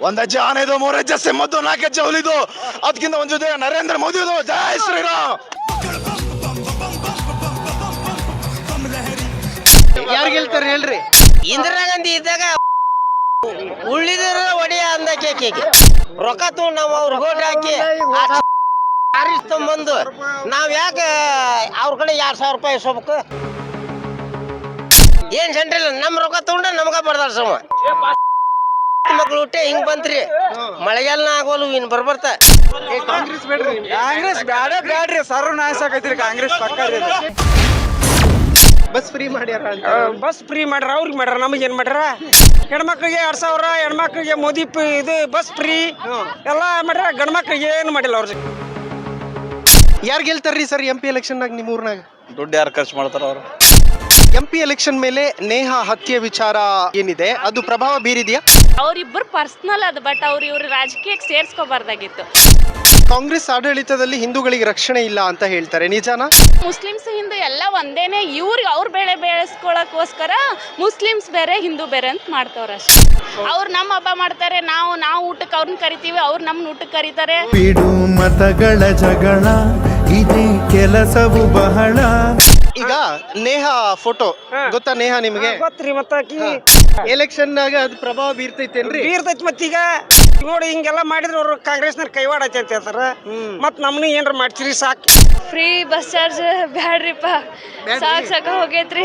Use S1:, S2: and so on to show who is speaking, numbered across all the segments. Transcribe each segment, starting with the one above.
S1: ಒಂದ್ ಹೆಜ್ಜೆ ಆನೆದು, 3 ಹೆಜ್ಜೆ ಸಿಂಹದ್ದು, 4 ಹೆಜ್ಜೆ ಹುಲಿದು, ಅದಕ್ಕಿಂತ ಒಂದು ಜೊತೆ ನರೇಂದ್ರ ಮೋದಿ ಜೈ ಶ್ರೀರಾಮ್.
S2: ಯಾರು ಗೆಲ್ತಾರೆ ಹೇಳ್ರಿ?
S3: ಇಂದಿರಾ ಗಾಂಧಿ ಇದ್ದಾಗ ಉಳಿದ್ರ ಒಡೆಯ ಅಂದ ಕೇಕೆ ರೊಕ್ಕ ತಗೊಂಡು ನಾವು ಅವ್ರ ಓಟ್ ಹಾಕಿ ಬಂದು ನಾವ್ ಯಾಕೆ ಅವ್ರ ಕಡೆ 2,000 ರೂಪಾಯಿ ಇಸ್ಕೋಬೇಕು? ಏನ್ ಸೆಂಟ್ರಲ್ ನಮ್ ರೊಕ್ಕ ತಗೊಂಡ ನಮ್ಗ ಬರ್ದಾರ ಸಮ ಮಕ್ಳು ಹುಟ್ಟೆ ಹಿಂಗ್ ಬಂತ್ರಿ. ಮಳೆಗಾಲನ ಆಗೋಲು ಇನ್ ಬರ್ಬರ್ತ.
S2: ಕಾಂಗ್ರೆಸ್ ಬೇಡ್ರಿ?
S4: ಕಾಂಗ್ರೆಸ್ ಬ್ಯಾಡ್ರಿ, ಸರ್ವನಾಶ ಆಗೈತ್ರಿ ಕಾಂಗ್ರೆಸ್ ಪಕ್ಕ.
S2: ಬಸ್ ಫ್ರೀ ಮಾಡ್ಯಾರ ಅಂತ.
S4: ಬಸ್ ಫ್ರೀ ಮಾಡ್ರ, ಅವ್ರಿಗೆ ಮಾಡ್ರ, ನಮಗೆ ಏನ್ ಮಾಡ್ರ? ಹೆಣ್ಮಕ್ಳಿಗೆ 2,000, ಹೆಣ್ಮಕ್ಳಿಗೆ ಮೋದಿ ಇದು ಬಸ್ ಫ್ರೀ ಎಲ್ಲ ಮಾಡ್ರ, ಗಂಡ್ಮಕ್ಳಿಗೆ ಏನು ಮಾಡಿಲ್ಲ ಅವ್ರಿಗೆ.
S2: ಯಾರು ಗೆಲ್ತಾರ್ರಿ ಸರ್ MP ಎಲೆಕ್ಷನ್ನಾಗ ನಿಮ್ಮ ಊರ್ನಾಗ?
S1: ದುಡ್ಡು ಯಾರು ಖರ್ಚು ಮಾಡ್ತಾರ ಅವರು?
S2: MP ಎಲೆಕ್ಷನ್ ಮೇಲೆ ನೇಹಾ ಹತ್ಯೆ ವಿಚಾರ ಏನಿದೆ ಅದು ಪ್ರಭಾವ ಬೀರಿದೆಯಾ?
S5: ಅವ್ರಿಬ್ರು ಪರ್ಸನಲ್ ಅದು, ಬಟ್ ಇವ್ರು ರಾಜಕೀಯಕ್ಕೆ ಸೇರ್ಸ್ಕೋಬಾರ್ದಾಗಿತ್ತು.
S2: ಕಾಂಗ್ರೆಸ್ ಆಡಳಿತದಲ್ಲಿ ಹಿಂದೂಗಳಿಗೆ ರಕ್ಷಣೆ ಇಲ್ಲ ಅಂತ ಹೇಳ್ತಾರೆ, ನಿಜಾನಾ?
S5: ಮುಸ್ಲಿಮ್ಸ್ ಹಿಂದೂ ಎಲ್ಲ ಒಂದೇನೆ. ಅವ್ರ ಬೆಳೆ ಬೆಳೆಸ್ಕೊಳಕ್ಕೋಸ್ಕರ ಮುಸ್ಲಿಮ್ಸ್ ಬೇರೆ ಹಿಂದೂ ಬೇರೆ ಅಂತ ಮಾಡ್ತವ್ರ ಅಷ್ಟೇ. ಅವ್ರು ನಮ್ಮ ಹಬ್ಬ ಮಾಡ್ತಾರೆ, ನಾವು ಊಟಕ್ಕೆ ಅವ್ರನ್ನ ಕರಿತೀವಿ, ಅವ್ರು ನಮ್ಮನ್ನ ಊಟಕ್ಕೆ ಕರೀತಾರೆ.
S6: ಬಿಡು ಮತಗಳ ಜಗಳ, ಇದೇ ಕೆಲಸವು ಬಹಳ.
S2: ಈಗ ನೇಹಾ ಫೋಟೋ ಗೊತ್ತಾ? ನೇಹಾ ನಿಮಗೆ
S4: ಗೊತ್ತ್ರಿ? ಮತ್ತಾಕಿ
S2: ಎಲೆಕ್ಷನ್ ನಾಗ ಅದು ಪ್ರಭಾವ ಬೀರ್ತೈತೇನ್ರಿ?
S4: ಬೀರ್ತೈತಿ. ಮತ್ತೀಗ ನೋಡಿ ಹಿಂಗೆಲ್ಲ ಮಾಡಿದ್ರೆ ಅವ್ರು ಕಾಂಗ್ರೆಸ್ನ ಕೈವಾಡೈತಿ ಅಂತ ಹೇಳ್ತಾರ. ಮತ್ ನಮ್ನ ಏನ್ರ ಮಾಡ್ತೀರಿ ಸಾಕು.
S5: ಫ್ರೀ ಬಸ್ ಚಾರ್ಜ್ ಬ್ಯಾಡ್ರಿಪ್ಪ, ಸಾಕ ಹೋಗೈತ್ರಿ.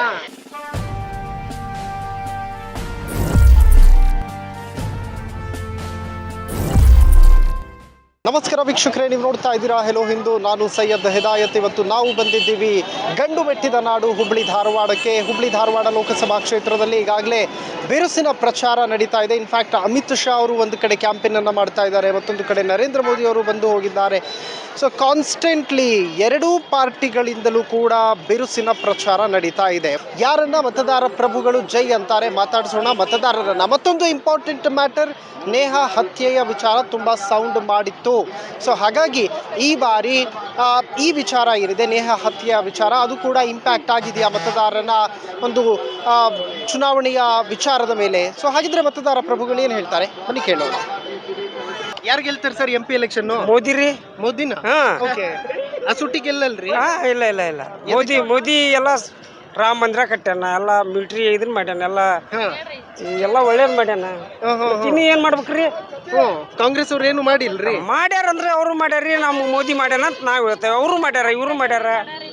S2: ನಮಸ್ಕಾರ ವೀಕ್ಷಕರೇ, ನೀವು ನೋಡ್ತಾ ಇದ್ದೀರಾ ಹೆಲೋ ಹಿಂದೂ. ನಾನು ಸೈಯದ್ ಹಿದಾಯತ್. ಇವತ್ತು ನಾವು ಬಂದಿದ್ದೀವಿ ಗಂಡು ಮೆಟ್ಟಿದ ನಾಡು ಹುಬ್ಳಿ ಧಾರವಾಡಕ್ಕೆ. ಹುಬ್ಳಿ ಧಾರವಾಡ ಲೋಕಸಭಾ ಕ್ಷೇತ್ರದಲ್ಲಿ ಈಗಾಗಲೇ ಬಿರುಸಿನ ಪ್ರಚಾರ ನಡೀತಾ ಇದೆ. ಇನ್ಫ್ಯಾಕ್ಟ್ ಅಮಿತ್ ಶಾ ಅವರು ಒಂದು ಕಡೆ ಕ್ಯಾಂಪೇನನ್ನು ಮಾಡ್ತಾ ಇದ್ದಾರೆ, ಮತ್ತೊಂದು ಕಡೆ ನರೇಂದ್ರ ಮೋದಿ ಅವರು ಬಂದು ಹೋಗಿದ್ದಾರೆ. ಸೊ ಕಾನ್ಸ್ಟೆಂಟ್ಲಿ ಎರಡೂ ಪಾರ್ಟಿಗಳಿಂದಲೂ ಕೂಡ ಬಿರುಸಿನ ಪ್ರಚಾರ ನಡೀತಾ ಇದೆ. ಯಾರನ್ನ ಮತದಾರ ಪ್ರಭುಗಳು ಜೈ ಅಂತಾರೆ ಮಾತಾಡಿಸೋಣ ಮತದಾರರನ್ನ. ಮತ್ತೊಂದು ಇಂಪಾರ್ಟೆಂಟ್ ಮ್ಯಾಟರ್, ನೇಹಾ ಹತ್ಯೆಯ ವಿಚಾರ ತುಂಬ ಸೌಂಡ್ ಮಾಡಿತ್ತು. ಸೊ ಹಾಗಾಗಿ ಈ ಬಾರಿ ಈ ವಿಚಾರ ಏನಿದೆ ನೇಹಾ ಹತ್ಯೆಯ ವಿಚಾರ, ಅದು ಕೂಡ ಇಂಪ್ಯಾಕ್ಟ್ ಆಗಿದೆಯಾ ಮತದಾರನ ಒಂದು ಚುನಾವಣೆಯ ವಿಚಾರದ ಮೇಲೆ? ಸೊ ಹಾಗಿದ್ರೆ ಮತದಾರ ಪ್ರಭುಗಳು ಏನು ಹೇಳ್ತಾರೆ ಬನ್ನಿ ಕೇಳೋಣ. ಯಾರು ಗೆಲ್ತಾರೆ ಸರ್ MP ಎಲೆಕ್ಷನ್?
S4: ಮೋದಿ ರೀ.
S2: ಮೋದಿನ? ಓಕೆ. ಆ ಸುಟ್ಟಿ ಗೆಲ್ಲಲ್ರಿ?
S4: ಇಲ್ಲ. ಮೋದಿ ಎಲ್ಲ ರಾಮ ಮಂದಿರ ಕಟ್ಯಾನ, ಎಲ್ಲ ಮಿಲಿಟರಿ ಇದನ್ನ ಮಾಡ್ಯಾನ, ಎಲ್ಲ ಒಳ್ಳೇದ್ ಮಾಡ್ಯಾನ. ಇನ್ನು ಏನ್ ಮಾಡ್ಬೇಕ್ರಿ?
S2: ಕಾಂಗ್ರೆಸ್ ಅವ್ರು ಏನು ಮಾಡಿಲ್ರಿ?
S4: ಮಾಡ್ಯಾರಂದ್ರೆ ಅವರು ಮಾಡ್ಯಾರ್ರಿ, ನಮ್ಮ ಮೋದಿ ಮಾಡ್ಯಾನ ಅಂತ ನಾವ್ ಹೇಳ್ತೇವೆ. ಅವರು ಮಾಡ್ಯಾರ, ಇವ್ರು ಮಾಡ್ಯಾರ.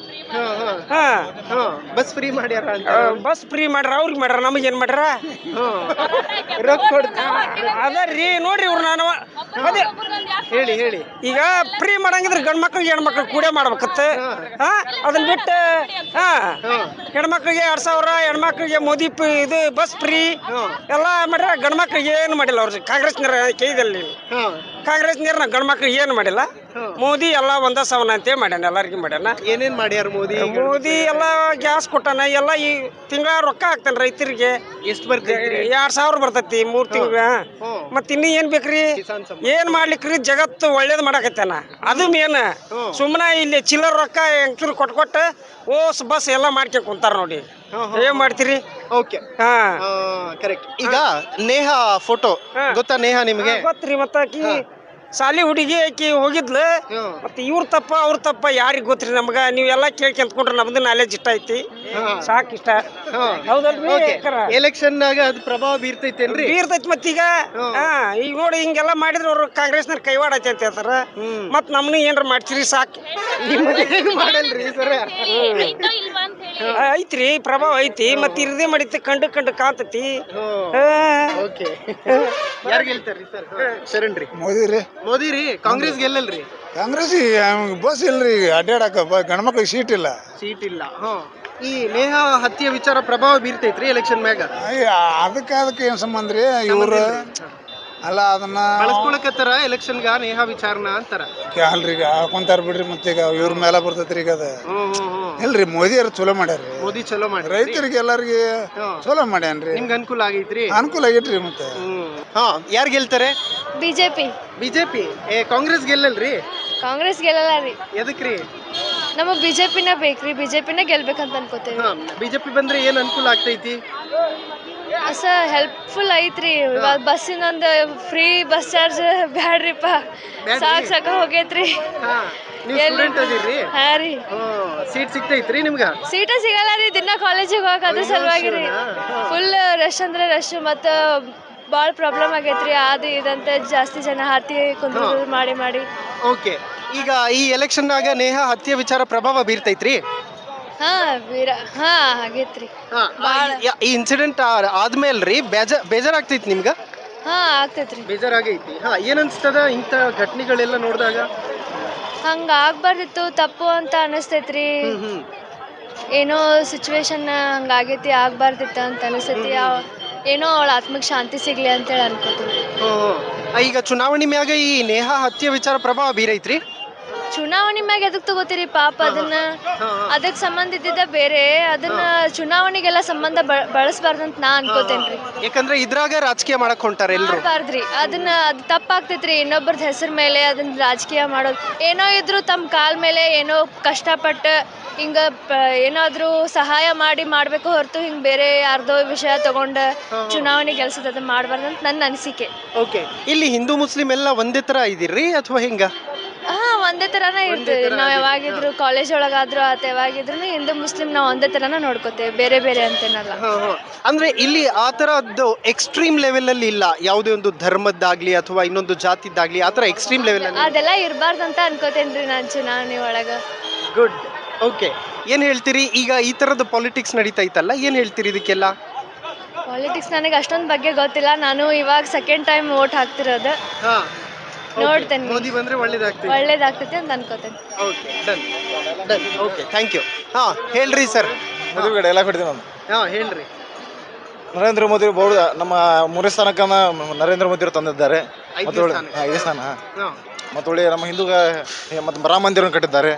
S2: ಬಸ್ ಫ್ರೀ ಮಾಡ್ಯಾರ ಅಂತ.
S4: ಬಸ್ ಫ್ರೀ ಮಾಡ್ಯಾರ, ಅವ್ರಿಗೆ ಮಾಡ್ಯಾರ, ನಮಗ್ ಏನ್ ಮಾಡ್ಯಾರ? ಅದರಿ ನೋಡ್ರಿ ಇವ್ರು. ನಾನು ಅದೇ
S2: ಹೇಳಿ
S4: ಈಗ ಫ್ರೀ ಮಾಡಂಗಿದ್ರೆ ಗಂಡ್ ಮಕ್ಳಿಗೆ ಹೆಣ್ಮಕ್ಳು ಕೂಡೇ ಮಾಡ್ಬೇಕತ್ತ. ಅದನ್ನ ಬಿಟ್ಟು ಹೆಣ್ಮಕ್ಳಿಗೆ 2,000, ಹೆಣ್ಮಕ್ಳಿಗೆ ಮೋದಿ ಇದು ಬಸ್ ಫ್ರೀ ಎಲ್ಲ ಮಾಡ್ಯಾರ, ಗಂಡ್ ಮಕ್ಳಿಗೆ ಏನು ಮಾಡಿಲ್ಲ ಅವ್ರಿಗೆ. ಕಾಂಗ್ರೆಸ್ನರ ಕೈದಲ್ಲಿ ಕಾಂಗ್ರೆಸ್ ನೀರ್ನ ಗಂಡ್ ಮಕ್ಳಿಗೆ ಏನು ಮಾಡಿಲ್ಲ. ಮೋದಿ ಎಲ್ಲ ಒಂದ ಸವನ ಅಂತ ಮಾಡ್ಯಾನ, ಎಲ್ಲರಿಗೂ ಮಾಡ್ಯಾನ.
S2: ಏನೇನ್ ಮಾಡ್ಯಾರ ಮೋದಿ?
S4: ಎಲ್ಲ ಗ್ಯಾಸ್ ಕೊಟ್ಟಾನ, ಎಲ್ಲ ಈ ತಿಂಗಳ ರೊಕ್ಕ ಹಾಕ್ತಾನ ರೈತರಿಗೆ.
S2: ಎಷ್ಟು ಬರ್ತೈತಿ?
S4: 2,000 ಬರ್ತೈತಿ 3 ತಿಂಗಳ. ಮತ್ ಇನ್ನು ಏನ್ ಬೇಕ್ರಿ? ಏನ್ ಮಾಡ್ಲಿಕ್ರಿ? ಜಗತ್ತು ಒಳ್ಳೇದ್ ಮಾಡಕತ್ತಾನ, ಅದು ಮೇನ್. ಸುಮ್ಮನೆ ಇಲ್ಲಿ ಚಿಲ್ಲರ್ ರೊಕ್ಕ ಎಂಕ್ರು ಕೊಟ್ಟ ಓಸ್ ಬಸ್ ಎಲ್ಲ ಮಾಡ್ಕೊಂಡ್ ಕುಂತಾರ ನೋಡಿ. ಏನ್ ಮಾಡ್ತೀರಿ?
S2: Okay, correct. ಈಗ ನೇಹಾ ಫೋಟೋ ಗೊತ್ತಾ? ನೇಹಾ ನಿಮಗೆ
S4: ಗೊತ್ತ್ರಿ? ಮತ್ತಾಕಿ ಸಾಲಿ ಹುಡುಗಿ ಆಕಿ ಹೋಗಿದ್ಲು. ಮತ್ತೆ ಇವ್ರ ತಪ್ಪ ಅವ್ರ ತಪ್ಪ ಯಾರಿಗ್ ಗೊತ್ತ್ರಿ ನಮ್ಗ? ನೀವೆಲ್ಲ ಕೇಳ್ಕೊಂಡ್ಕೊಂಡ್ರೆ ನಮ್ದು ನಾಲೆಜ್ ಇಷ್ಟ ಐತಿ, ಸಾಕ್ ಇಷ್ಟ. ಹೌದಲ್ರಿ?
S2: ಎಲೆಕ್ಷನ್ ನಾಗ ಅದು ಪ್ರಭಾವ ಬೀರ್ತೈತೇನ್ರಿ?
S4: ಬೀರ್ತೈತಿ. ಮತ್ತೀಗ ಈಗ ನೋಡಿ ಹಿಂಗೆಲ್ಲ ಮಾಡಿದ್ರೆ ಅವ್ರು ಕಾಂಗ್ರೆಸ್ನ ಕೈವಾಡೈತಿ ಅಂತ ಹೇಳ್ತಾರ. ಮತ್ ನಮ್ನ ಏನ್ರ ಮಾಡ್ತೀರಿ ಸಾಕ್.
S2: ಮಾಡಲ್ರಿ ಸರ್?
S4: ಐತ್ರಿ, ಪ್ರಭಾವ ಐತಿ. ಮತ್ ಇರದೇ ಮಾಡಿತಿ, ಕಂಡು ಕಾಂತತಿ.
S2: ಯಾರು ಗೆಲ್ತಾರ್ರಿ ಸರ್? ಶರಣ್ರಿ. ಮೋದಿ ರೀ. ಕಾಂಗ್ರೆಸ್ ಗೆಲ್ಲಲ್ರಿ?
S1: ಕಾಂಗ್ರೆಸ್ ಬಸ್ ಇಲ್ರಿ, ಅಡ್ಡಾಡಕ ಗಂಡ್ಮಕ್ಳಿಗೆ ಸೀಟ್ ಇಲ್ಲ.
S2: ಈ ನೇಹಾ ಹತ್ಯೆ ವಿಚಾರ ಪ್ರಭಾವ ಬೀರ್ತೈತ್ರಿ ಎಲೆಕ್ಷನ್ ಮ್ಯಾಗ?
S1: ಅದಕ್ಕೆ ಏನ್ ಸಂಬಂಧ ರೀ? ಇವ್ರು ಅಲ್ಲ ಅದನ್ನ
S2: ಬಳಸ್ಕೊಳಕತ್ತಾರ ಎಲೆಕ್ಷನ್ಗ ನೇಹಾ ವಿಚಾರನ ಅಂತಾರ.
S1: ಅಲ್ರಿ ಹಾಕೊಂತಾರ ಬಿಡ್ರಿ. ಮತ್ತೆ ಈಗ ಇವ್ರ ಮೇಲೆ ಬರ್ತೈತ್ರಿ ಈಗ. ಅದ ಇಲ್ರಿ, ಮೋದಿ ಅವ್ರು ಚಲೋ ಮಾಡ್ಯಾರ್ರಿ.
S2: ಮೋದಿ ಚಲೋ ಮಾಡಿ
S1: ರೈತರಿಗೆ ಎಲ್ಲಾರ್ಗಿ ಚಲೋ ಮಾಡ್ಯಾನ್ರಿ.
S2: ನಿಮ್ಗೆ ಅನುಕೂಲ ಆಗೈತ್ರಿ?
S1: ಅನುಕೂಲ ಆಗೈತ್ರಿ. ಮತ್ತೆ
S2: ಯಾರು ಗೆಲ್ತಾರೆ?
S5: ಬಿಜೆಪಿ.
S2: ಕಾಂಗ್ರೆಸ್ ಗೆಲ್ಲಲ್ರಿ?
S5: ಕಾಂಗ್ರೆಸ್ ಗೆಲ್ಲಲ್ಲ ರೀ.
S2: ಎದಕ್ರಿ?
S5: ನಮಗ್ ಬಿಜೆಪಿನ ಬೇಕ್ರಿ, ಬಿಜೆಪಿನ ಗೆಲ್ಬೇಕಂತ ಅನ್ಕೋತೇವೆ.
S2: ಬಿಜೆಪಿ ಬಂದ್ರೆ ಏನ್ ಅನುಕೂಲ ಆಗ್ತೈತಿ?
S7: ಸರ್ ಹೆಲ್ಪ್ಫುಲ್ ಐತ್ರಿ ಇವಾಗ ಬಸ್ಸಿನೊಂದು ಫ್ರೀ ಬಸ್ ಚಾರ್ಜ್ ಬ್ಯಾಡ್ರಿಪ್ಪ ಸಾಕ ಹೋಗೈತ್ರಿ
S2: ನೀವು ಸ್ಟೂಡೆಂಟ್ ಅದಿರಿ
S7: ಹಾ ರೀ
S2: ಸೀಟ್ ಸಿಗ್ತೈತ್ರಿ ನಿಮ್ಗೆ
S7: ಸೀಟ ಸಿಗಲ್ಲ ರೀ ದಿನ ಕಾಲೇಜಿಗೆ ಹೋಗಕ್ಕೆ ಅದ್ರ ಸಲುವಾಗಿ ರೀ ಫುಲ್ ರಶ್ ಅಂದ್ರೆ ರಶ್ ಮತ್ತು ಭಾಳ ಪ್ರಾಬ್ಲಮ್ ಆಗೈತ್ರಿ ಅದು ಇದಂತ ಜಾಸ್ತಿ ಜನ ಹತ್ತಿ ಕುಂದ್ರು ಮಾಡಿ
S2: ಓಕೆ ಈಗ ಈ ಎಲೆಕ್ಷನ್ನಾಗ ನೇಹಾ ಹತ್ಯೆ ವಿಚಾರ ಪ್ರಭಾವ ಬೀರ್ತೈತ್ರಿ
S7: ಆಗೈತ್ರಿ
S2: ಈ ಇನ್ಸಿಡೆಂಟ್ ಆದ್ಮೇಲ್ರಿ ಬೇಜಾರಾಗ್ತೈತಿ ನಿಮ್ಗೆ
S7: ಆಗ್ತೈತ್ರಿ
S2: ಬೇಜಾರಾಗೈತಿ ಏನ್ ಅನ್ಸ್ತದ ಇಂಥ ಘಟನೆಗಳೆಲ್ಲ ನೋಡಿದಾಗ
S7: ಹಂಗ ಆಗ್ಬಾರ್ದಿತ್ತು ತಪ್ಪು ಅಂತ ಅನಿಸ್ತೈತ್ರಿ ಏನೋ ಸಿಚುವೇಶನ್ ಹಂಗಾಗೈತಿ ಆಗ್ಬಾರ್ದಿತ್ತು ಅಂತ ಅನಿಸ್ತೈತಿ ಏನೋ ಅವಳ ಆತ್ಮಕ್ಕೆ ಶಾಂತಿ ಸಿಗ್ಲಿ ಅಂತೇಳಿ ಅನ್ಕೋತೀನಿ
S2: ಈಗ ಚುನಾವಣೆ ಮ್ಯಾಗ ಈ ನೇಹಾ ಹತ್ಯೆ ವಿಚಾರ ಪ್ರಭಾವ ಬೀರೈತ್ರಿ
S7: ಚುನಾವಣೆ ಮ್ಯಾಗ ಎದಕ್ ತಗೋತೀರಿ ಪಾಪ ಅದಕ್ಕೆ ಸಂಬಂಧ ಇದ್ದಿದ್ದ ಬೇರೆ ಅದನ್ನ ಚುನಾವಣೆಗೆಲ್ಲ ಸಂಬಂಧ ಬಳಸಬಾರ್ದಂತ ನಾ ಅನ್ಕೋತೇನ್ರಿ
S2: ಯಾಕಂದ್ರೆ ಇದ್ರಾಗ ರಾಜಕೀಯ ಮಾಡಕ್ ಹೊಂಟಾರ ಎಲ್ರು
S7: ಮಾಡ್ಬಾರ್ದ್ರಿ ಅದನ್ನ ಅದು ತಪ್ಪಾಗ್ತೈತ್ರಿ ಇನ್ನೊಬ್ಬರದ ಹೆಸರು ಮೇಲೆ ಅದನ್ನ ರಾಜಕೀಯ ಮಾಡೋದು ಏನೋ ಇದ್ರು ತಮ್ಮ ಕಾಲ್ ಮೇಲೆ ಏನೋ ಕಷ್ಟಪಟ್ಟು ಹಿಂಗ ಏನಾದ್ರೂ ಸಹಾಯ ಮಾಡ್ಬೇಕು ಹೊರತು ಹಿಂಗ್ ಬೇರೆ ಯಾರ್ದೋ ವಿಷಯ ತಗೊಂಡ ಚುನಾವಣೆ ಗೆಲ್ಸೋದು ಅದನ್ನ ಮಾಡ್ಬಾರ್ದಂತ ನನ್ನ ಅನಿಸಿಕೆ
S2: ಓಕೆ ಇಲ್ಲಿ ಹಿಂದೂ ಮುಸ್ಲಿಂ ಎಲ್ಲ ಒಂದೇ ತರ ಇದಿರ್ರಿ ಅಥವಾ ಹೆಂಗ
S7: ಒಂದೇ ತರಾನೇ ಇರ್ತೀವಿ ನಾವ್ ಯಾವಾಗಿದ್ರು ಕಾಲೇಜ್ ಒಳಗಾದ್ರು ಅಥವಾ ಯಾವಾಗಿದ್ರು ಹಿಂದೂ ಮುಸ್ಲಿಂ ನಾವ್ ಒಂದೇ ತರಾನ ನೋಡ್ಕೋತೇವೆ ಬೇರೆ ಬೇರೆ ಅಂತೇನಲ್ಲ
S2: ಅಂದ್ರೆ ಇಲ್ಲಿ ಆ ತರದ್ದು ಎಕ್ಸ್ಟ್ರೀಮ್ ಲೆವೆಲ್ ಅಲ್ಲಿ ಇಲ್ಲ ಯಾವುದೇ ಒಂದು ಧರ್ಮದ್ದಾಗ್ಲಿ ಅಥವಾ ಇನ್ನೊಂದು ಜಾತಿದ್ದಾಗ್ಲಿ ಆ ತರ ಎಕ್ಸ್ಟ್ರೀಮ್ ಲೆವೆಲ್ ಅಲ್ಲಿ
S7: ಅದೆಲ್ಲ ಇರ್ಬಾರ್ದಂತ ಅನ್ಕೋತೇನ್ರಿ ನಾನ್ ಚುನಾವಣೆ ಒಳಗ
S2: ಗುಡ್ ಓಕೆ ಏನ್ ಹೇಳ್ತೀರಿ ಈಗ ಈ ತರದ ಪಾಲಿಟಿಕ್ಸ್ ನಡೀತೈತಲ್ಲ ಏನ್ ಹೇಳ್ತೀರಿ ಇದಕ್ಕೆಲ್ಲ
S7: ಪಾಲಿಟಿಕ್ಸ್ ನನಗೆ ಅಷ್ಟೊಂದು ಬಗ್ಗೆ ಗೊತ್ತಿಲ್ಲ ನಾನು ಇವಾಗ ಸೆಕೆಂಡ್ ಟೈಮ್ ವೋಟ್ ಹಾಕ್ತಿರೋದು ನೋಡ್ತೇನೆ
S2: ಮೋದಿ ಬಂದ್ರೆ
S7: ಒಳ್ಳೇದಾಗ್ತೈತಿ ಅಂತ ಅನ್ಕೋತೇನೆ
S2: okay done done okay thank you ಹೇಳ್ರಿ ಸರ್
S1: ಮದುವೆ ಎಲ್ಲ ಕೊಡ್ತೀನಿ ನಾನು
S2: ಹೇಳ್ರಿ
S1: ನರೇಂದ್ರ ಮೋದಿ ಬಹು ನಮ್ಮ ಮೂರನೇ ಸ್ಥಾನಕ್ಕೆ ನರೇಂದ್ರ ಮೋದಿ ಅವರು ತಂದಿದ್ದಾರೆ ಐದೇ ಸ್ಥಾನ ಮತ್ತು ಒಳ್ಳೆ ನಮ್ಮ ಹಿಂದೂ ಮತ್ತು ರಾಮ ಮಂದಿರವನ್ನು ಕಟ್ಟಿದ್ದಾರೆ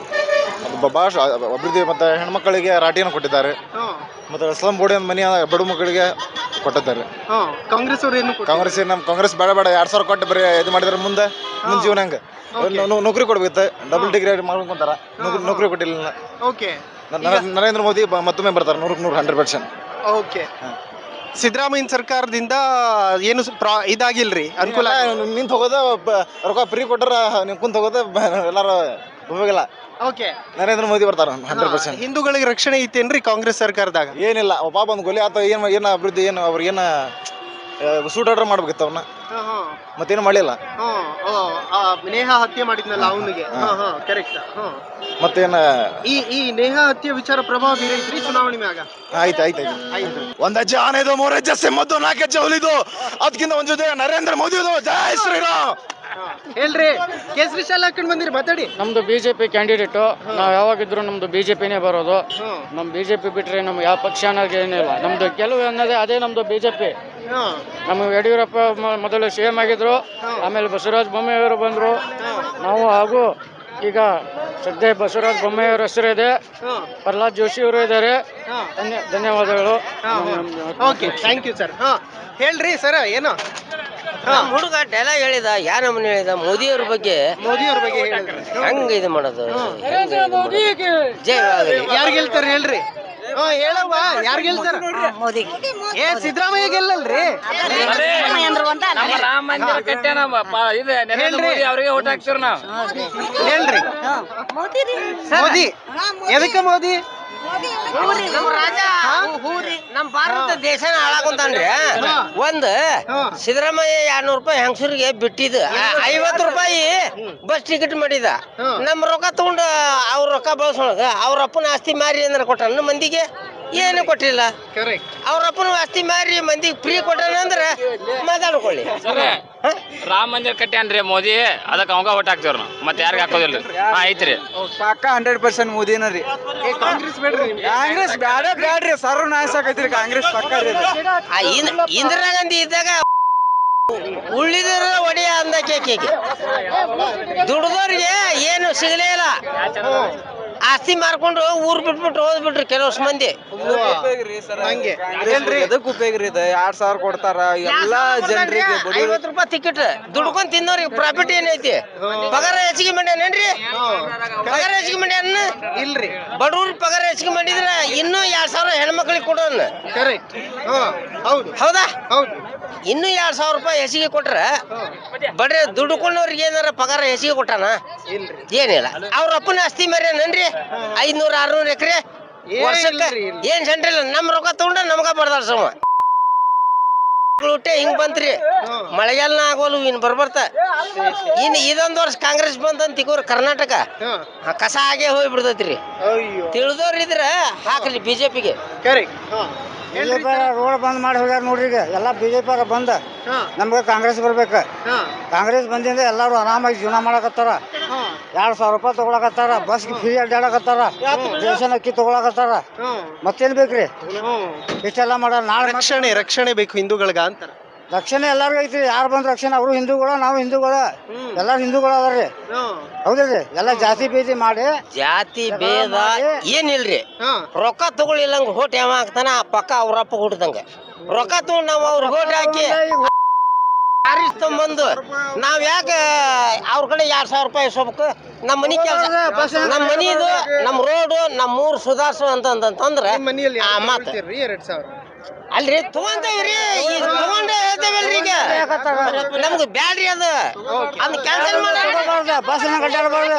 S1: ಭಾಳ ಅಭಿವೃದ್ಧಿ ಮತ್ತು ಹೆಣ್ಮಕ್ಕಳಿಗೆ ರಾಟಿಯನ್ನು ಕೊಟ್ಟಿದ್ದಾರೆ ಮತ್ತು ಸ್ಲಮ್ ಬೋರ್ಡ್ ಮನೆ ಬಡ ಮಕ್ಕಳಿಗೆ ಕೊಟ್ಟಿದ್ದಾರೆ
S2: ಕಾಂಗ್ರೆಸ್ ಅವ್ರು ಏನು
S1: ಕಾಂಗ್ರೆಸ್ ನಮ್ಮ ಕಾಂಗ್ರೆಸ್ ಬೇಡ 2000 ಕೊಟ್ಟು ಬರೀ ಇದು ಮಾಡಿದ್ರೆ ಮುಂದೆ ಜೀವನ ಹಂಗೆ ನೌಕರಿ ಕೊಡ್ಬೇಕು ಡಬಲ್ ಡಿಗ್ರಿ ಮಾಡ್ಕೊಂತಾರ ನೌಕರಿ ಕೊಟ್ಟಿಲ್ಲ
S2: ಓಕೆ
S1: ನರೇಂದ್ರ ಮೋದಿ ಮತ್ತೊಮ್ಮೆ ಬರ್ತಾರೆ 100%
S2: ಓಕೆ ಸಿದ್ದರಾಮಯ್ಯ ಸರ್ಕಾರದಿಂದ ಏನು ಇದಾಗಿಲ್ರಿ ಅನುಕೂಲ
S1: ನಿಂತು ಹೋಗೋದು ರೊಕ್ಕ ಫ್ರೀ ಕೊಟ್ಟರ ನೀವು ಕುಂತ ಹೋಗೋದು ಎಲ್ಲಾರು ಹೋಗಿಲ್ಲ
S2: ಓಕೆ
S1: ನರೇಂದ್ರ ಮೋದಿ ಬರ್ತಾರ 100%.
S2: ಹಿಂದೂಗಳಿಗೆ ರಕ್ಷಣೆ ಐತೇನ್ರಿ ಕಾಂಗ್ರೆಸ್ ಸರ್ಕಾರದಾಗ
S1: ಏನಿಲ್ಲ ಪಾಪ ಒಂದು ಗೊಲೆ ಆತ ಏನು ಅಭಿವೃದ್ಧಿ ಏನು ಅವ್ರಿಗೇನು ಸೂಟ್ ಆರ್ಡರ್ ಮಾಡ್ಬೇಕಿತ್ತು ಅವನ್ನ ಮತ್ತೇನು ಮಾಡಲಿಲ್ಲ
S2: ನೇಹಾ ಹತ್ಯೆ ಮಾಡಿದ್ನಲ್ಲ ಅವನಿಗೆ ಕರೆಕ್ಟ್
S1: ಮತ್ತೇನು
S2: ಈ ನೇಹಾ ಹತ್ಯೆ ವಿಚಾರ ಪ್ರಭಾವ ಬೀರೈತ್ರಿ ಚುನಾವಣೆ ಮ್ಯಾಗ
S1: ಆಯ್ತು ಒಂದ್ ಹೆಜ್ಜೆ ಆನೆದು 3 ಹೆಜ್ಜೆ ಸಿಂಹದ್ದು 4 ಹೆಜ್ಜೆ ಹುಲಿದು ಅದಕ್ಕಿಂತ ಒಂದ್ ಜೊತೆ ನರೇಂದ್ರ ಮೋದಿ ಜೈ ಶ್ರೀರಾಮ್
S2: ಹೇಳ್ರಿ ಕೇಸರಿ ಶಾಲೆ ಹಾಕೊಂಡು ಬಂದಿರಿ ಮಾತಾಡಿ
S8: ನಮ್ದು ಬಿಜೆಪಿ ಕ್ಯಾಂಡಿಡೇಟು ನಾವು ಯಾವಾಗಿದ್ರು ನಮ್ದು ಬಿಜೆಪಿನೇ ಬರೋದು ನಮ್ ಬಿಜೆಪಿ ಬಿಟ್ರೆ ನಮ್ಗೆ ಯಾವ ಪಕ್ಷ ಅನ್ನೋದು ಏನಿಲ್ಲ ನಮ್ದು ಕೆಲವು ಅನ್ನೋದೇ ಅದೇ ನಮ್ದು ಬಿಜೆಪಿ ನಮಗೆ ಯಡಿಯೂರಪ್ಪ ಮೊದಲು CM ಆಗಿದ್ರು ಆಮೇಲೆ ಬಸವರಾಜ ಬೊಮ್ಮಾಯಿಯವರು ಬಂದ್ರು ನಾವು ಹಾಗೂ ಈಗ ಸದ್ಯ ಬಸವರಾಜ ಬೊಮ್ಮಾಯಿಯವರ ಹೆಸರು ಇದೆ ಪ್ರಹ್ಲಾದ್ ಜೋಶಿ ಅವರು ಇದ್ದಾರೆ ಧನ್ಯವಾದಗಳು
S2: ಓಕೆ ಥ್ಯಾಂಕ್ ಯು ಸರ್ ಹೇಳ್ರಿ ಸರ್ ಏನು
S3: ಹುಡುಗ ಡೈಲಾಗ್ ಹೇಳಿದ ಯಾರ ನಮ್ಮನೆ ಹೇಳಿದ ಮೋದಿಯವ್ರ ಬಗ್ಗೆ ಹೆಂಗ ಇದು ಮಾಡೋದು
S2: ಯಾರು ಗೆಲ್ತಾರ ಹೇಳ್ರಿ ಹೇಳವ್ವ ಯಾರು ಗೆಲ್ತಾರ
S3: ಮೋದಿ
S2: ಸಿದ್ದರಾಮಯ್ಯ ಗೆಲ್ಲಲ್ರಿ
S8: ರಾಮ ಮಂದಿರ ಕಟ್ಟ್ಯಾನ ನರೇಂದ್ರ ಮೋದಿ ಅವರಿಗೆ ಓಟ್ ಹಾಕ್ತಿವ್ರಿ ನಾವು
S2: ಹೇಳ್ರಿ ಮೋದಿ ಎದಕ್ಕೆ ಮೋದಿ
S3: ನಮ್ಮ ರಾಜ ನಮ್ಮ ಭಾರತ ದೇಶನ ಹಾಳಾಕೊಂತಾನ್ರಿ ಒಂದ್ ಸಿದ್ದರಾಮಯ್ಯ 200 ರೂಪಾಯಿ ಹೆಂಗಸರಿಗೆ ಬಿಟ್ಟಿದ 50 ರೂಪಾಯಿ ಬಸ್ ಟಿಕೆಟ್ ಮಾಡಿದ ನಮ್ಮ ರೊಕ್ಕ ತಗೊಂಡು ಅವ್ರ ರೊಕ್ಕ ಬಳಸೋಳಗ ಅವ್ರ ಅಪ್ಪನ ಆಸ್ತಿ ಮಾರಿ ಅಂದ್ರೆ ಕೊಟ್ಟ ಮಂದಿಗೆ ಏನು ಕೊಟ್ಟಿಲ್ಲ ಅವ್ರ ಅಪ್ಪನ ಆಸ್ತಿ ಮಾರಿ ಮಂದಿಗೆ ಫ್ರೀ ಕೊಟ್ಟಾನ ಅಂದ್ರೆ ಮಾತಾಡ್ಕೊಳ್ಳಿ
S8: ರಾಮ ಮಂದಿರ ಕಟ್ಟ್ಯಾನ್ರಿ ಮೋದಿ ಅದಕ್ಕೆ ಅವಾಗ ಓಟ್ ಹಾಕ್ತಿವ್ರಿ ನಾವು ಮತ್ತೆ ಯಾರಿಗೆ ಹಾಕೋದಿಲ್ಲ ಐತ್ರಿ
S9: ಪಕ್ಕ 100% ಮೋದಿನ ರೀ
S2: ಕಾಂಗ್ರೆಸ್ ಬೇಡ್ರಿ
S9: ಕಾಂಗ್ರೆಸ್ ಬ್ಯಾಡ್ರಿ ಸರ್ವನಾಶ ಆಗೈತ್ರಿ ಕಾಂಗ್ರೆಸ್ ಪಕ್ಕ ರೀ
S3: ಇಂದಿರಾ ಗಾಂಧಿ ಇದ್ದಾಗ ಉಳಿದ್ರ ಒಡೆಯ ಅಂದ ಕೇಕೆ ದುಡ್ದವ್ರಿಗೆ ಏನು ಸಿಗಲೇ ಇಲ್ಲ ಆಸ್ತಿ ಮಾರ್ಕೊಂಡು ಊರ್ ಬಿಟ್ಬಿಟ್ಟು ಹೋದ್ಬಿಟ್ರಿ ಕೆಲವಷ್ಟು ಮಂದಿ.
S2: ಹಂಗೆ
S9: ಎದಕ್ ಉಪಯೋಗ ರೀ ಇದು? 2,000 ಕೊಡ್ತಾರ ಎಲ್ಲಾ ಜನರಿಗೆ.
S3: 50 ರೂಪಾಯಿ ಟಿಕೆಟ್ ದುಡ್ಕೊಂಡ್ ತಿನ್ನೋರಿಗೆ ಪ್ರಾಫಿಟ್ ಏನೈತಿ? ಪಗಾರ ಹೆಚ್ಚಿಗೆ ಮಾಡ್ಯಾನೇನ್ರಿ? ಪಗಾರ ಹೆಚ್ಚಿಗೆ ಮಾಡ್ಯಾನ
S2: ಇಲ್ರಿ.
S3: ಬಡವ್ರ ಪಗಾರ ಹೆಚ್ಚಿಗೆ ಮಾಡಿದ್ರ ಇನ್ನೂ 2,000 ಹೆಣ್ಮಕ್ಳಿಗೆ ಕೊಡೋಣ.
S2: ಕರೆಕ್ಟ್. ಹೌದು
S3: ಹೌದಾ?
S2: ಹೌದು.
S3: ಇನ್ನೂ 2,000 ರೂಪಾಯಿ ಹೆಚ್ಚಿಗೆ ಕೊಟ್ರ ಬಡ್ರೆ ದುಡ್ಕೊಂಡವ್ರಿಗೆ ಏನಾರ ಪಗಾರ ಹೆಚ್ಚಿಗೆ ಕೊಟ್ಟಾನ? ಏನಿಲ್ಲ. ಅವ್ರ ಅಪ್ಪನ ಆಸ್ತಿ ಮೇರೇನನ್ರಿ 500-600 ಎಕರೆ ವರ್ಷಕ್ಕ ಏನ್ ಸೆಂಟ್ರಲ್ ನಮ್ ರೊಕ್ಕ ತಗೊಂಡ ನಮಗ ಬಡ್ದಾಡ್ಸವ ಹಿಂಗ್ ಬಂತ್ರಿ. ಮಳೆಗಾಲನ ಆಗೋಲು ಇನ್ ಬರ್ಬರ್ತ ಇನ್ ಇದೊಂದ್ ವರ್ಷ ಕಾಂಗ್ರೆಸ್ ಬಂದಂತ ಇಗೋರ್ ಕರ್ನಾಟಕ ಕಸ ಆಗೇ ಹೋಗ್ಬಿಡ್ತೈತ್ರಿ. ತಿಳಿದವ್ರ ಇದ್ರ ಹಾಕ್ರಿ ಬಿಜೆಪಿಗೆ.
S2: ಕರೆಕ್ಟ್.
S10: ರೋಡ್ ಬಂದ್ ಮಾಡಿ ಹೋಗ್ಯಾರ ನೋಡ್ರಿ. ಈಗ ಎಲ್ಲ ಬಿಜೆಪಿ ಅವ್ರ ಬಂದ ನಮ್ಗೆ ಕಾಂಗ್ರೆಸ್ ಬರ್ಬೇಕ. ಕಾಂಗ್ರೆಸ್ ಬಂದಿಂದ ಎಲ್ಲಾರು ಆರಾಮಾಗಿ ಜೀವನ ಮಾಡಕತ್ತಾರ. 2,000 ರೂಪಾಯಿ ತಗೊಳಕತ್ತಾರ. ಬಸ್ಗೆ ಫ್ರೀ ಅಡ್ಡಾಡಕತ್ತಾರ. ರೇಷನ್ ಅಕ್ಕಿ ತಗೊಳಕತ್ತಾರ. ಮತ್ತೇನ್ ಬೇಕ್ರಿ? ಇಷ್ಟೆಲ್ಲ ಮಾಡ ನಾಳೆ
S2: ರಕ್ಷಣೆ ಬೇಕು ಹಿಂದೂಗಳ್ಗ ಅಂತಾರ.
S10: ರಕ್ಷಣೆ ಎಲ್ಲಾರ್ಗು ಐತ್ರಿ. ಯಾರು ಬಂದ್ ರಕ್ಷಣೆ? ಅವರು ಹಿಂದೂಗಳ, ನಾವು ಹಿಂದೂಗಳ, ಎಲ್ಲಾರು ಹಿಂದೂಗಳ ಅದಾರ್ರಿ. ಹೌದ್ರಿ. ಎಲ್ಲ ಜಾತಿ ಭೇದಿ ಮಾಡಿ
S3: ಜಾತಿ ಭೇದ ಏನಿಲ್ರಿ. ರೊಕ್ಕ ತಗೊಳ್ಳಿಲ್ಲಂಗ ಹೋಟ್ ಯಾವ ಹಾಕ್ತಾನ ಪಕ್ಕ ಅವ್ರಪ್ಪ ಹುಟ್ಟಿದಂಗ ರೊಕ್ಕ ತಗೊಂಡ್ ನಾವ್ ಅವ್ರ ಹೋಟ್ ಹಾಕಿ ಬಂದು ನಾವ್ ಯಾಕೆ ಅವ್ರ ಕಡೆ 2,000 ರೂಪಾಯಿ ಇಸ್ಕೋಬೇಕು? ನಮ್ ಮನಿ ಕೆಲಸ, ನಮ್ ಮನಿದು, ನಮ್ ರೋಡು, ನಮ್ ಊರ್ ಸುಧಾರ್ಸು ಅಂತಂದ್ರೆ ಆ ಮಾತು.
S2: 2,000
S3: ಅಲ್ರಿ ತಗೊಂತೇವ್ರಿ. ಈಗ ತಗೊಂಡೇ ಹೇಳ್ತೇವಲ್ರಿ. ಈಗ ನಮ್ದು ಬ್ಯಾಡ್ರಿ ಅದು. ಅದ್ ಕ್ಯಾನ್ಸಲ್ ಮಾಡಿ
S10: ಬಸ್ನ ಕಟ್ಟಾಡಬಾರ್ದು.